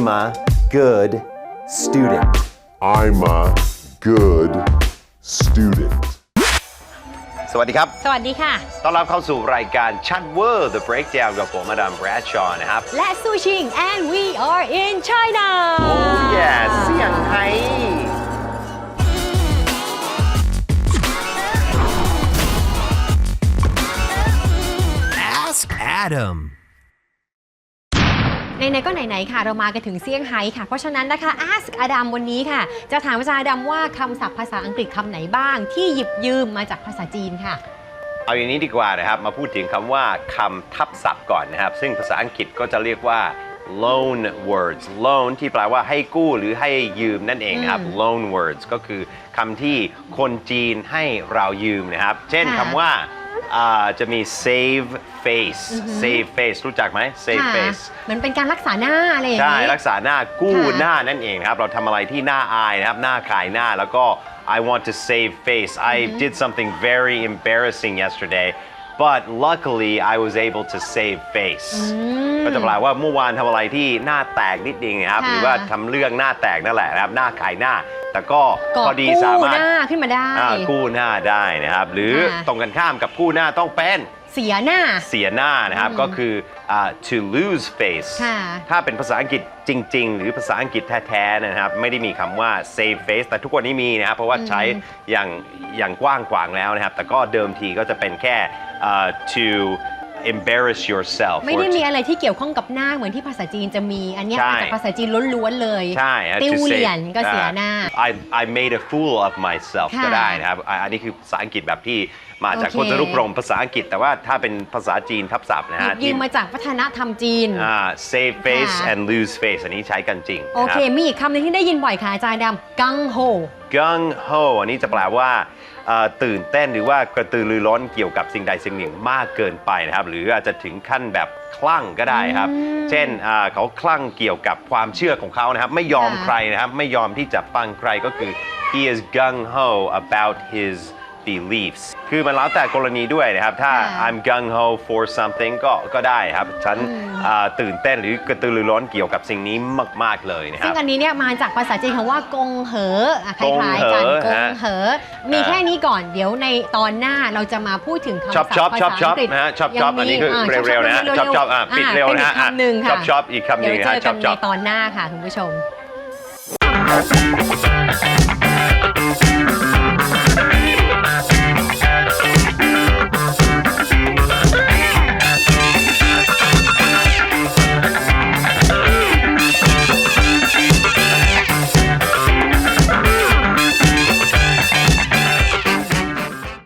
a good student I'm a good student สวัสดีครับสวัสดีค่ะต้อนรับเข้าสู่รายการชัดเวอร์ The Breakdown กับผมอดัมแบรดชอว์นะครับและซูชิง and we are in China Oh yeah เซี่ยงไฮ้ Ask Adam ไหนๆก็ไหนๆค่ะเรามากันถึงเซี่ยงไฮ้ค่ะเพราะฉะนั้นนะคะ Ask Adam วันนี้ค่ะจะถามอาจารย์อดัมว่าคำศัพท์ภาษาอังกฤษคำไหนบ้างที่หยิบยืมมาจากภาษาจีนค่ะเอาอย่างนี้ดีกว่านะครับมาพูดถึงคำว่าคำทับศัพท์ก่อนนะครับซึ่งภาษาอังกฤษก็จะเรียกว่า loan words loan ที่แปลว่าให้กู้หรือให้ยืมนั่นเองครับ loan words ก็คือคำที่คนจีนให้เรายืมนะครับเช่นคำว่าจะมี save face save face รู้จักไหม save face มันเป็นการรักษาหน้าอะไรอย่างนี้ใช่รักษาหน้ากู้หน้านั่นเองครับเราทำอะไรที่น่าอายนะครับหน้าขายหน้าแล้วก็ I want to save face I did something very embarrassing yesterday but luckily I was able to save face ก็จะแปลว่าเมื่อวานทำอะไรที่หน้าแตกนิดนึงนะครับหรือว่าทำเรื่องหน้าแตกนั่นแหละนะครับหน้าขายหน้าแต่ก็พอดีสามารถกู้หน้าขึ้นมาได้กู้หน้าได้นะครับหรือตรงกันข้ามกับกู้หน้าต้องเป็นเสียหน้านะครับก็คือto lose face ถ้าเป็นภาษาอังกฤษจริงๆหรือภาษาอังกฤษแท้ๆนะครับไม่ได้มีคำว่า save face แต่ทุกวันนี้มีนะครับเพราะว่าใช้อย่างกว้างขวางแล้วนะครับแต่ก็เดิมทีก็จะเป็นแค่to embarrass yourself ไม่ได้มีอะไรที่เกี่ยวข้องกับหน้าเหมือนที่ภาษาจีนจะมีอันนี้มาจากภาษาจีนล้วนๆเลยใช่ติ้วเหรียญก็เสียหน้า I made a fool of myself ก็ได้นะครับอันนี้คือภาษาอังกฤษแบบที่มาจากพจนานุกรมภาษาอังกฤษแต่ว่าถ้าเป็นภาษาจีนทับศัพท์นะฮะยืมมาจากวัฒนธรรมจีน save face and lose face อันนี้ใช้กันจริงโอเคมีอีกคำหนึ่งที่ได้ยินบ่อยค่ะอาจารย์ดำกังโฮอันนี้จะแปลว่าตื่นเต้นหรือว่ากระตือรือร้นเกี่ยวกับสิ่งใดสิ่งหนึ่งมากเกินไปนะครับหรืออาจจะถึงขั้นแบบคลั่งก็ได้ครับเช่นเขาคลั่งเกี่ยวกับความเชื่อของเขานะครับไม่ยอมใครนะครับไม่ยอมที่จะฟังใครก็คือ he is gung ho about his beliefs คือมันแล้วแต่กรณีด้วยนะครับถ้า I'm gung ho for something ก็ได้ครับฉันตื่นเต้นหรือกระตือรือร้นเกี่ยวกับสิ่งนี้มากๆเลยนะครับซึ่งอันนี้เนี่ยมาจากภาษาจีนคำว่ากงเหอคล้ายๆกันกงเหอมีแค่นี้ก่อนเดี๋ยวในตอนหน้าเราจะมาพูดถึงคำศัพท์ภาษาอังกฤษนะฮะชอบอันนี้คือเร็วๆนะฮะชอบปิดเร็วนะฮะคำหนึ่งค่ะชอบอีกคำหนึ่งนะฮะเดี๋ยวเจอกันในตอนหน้าค่ะคุณผู้ชม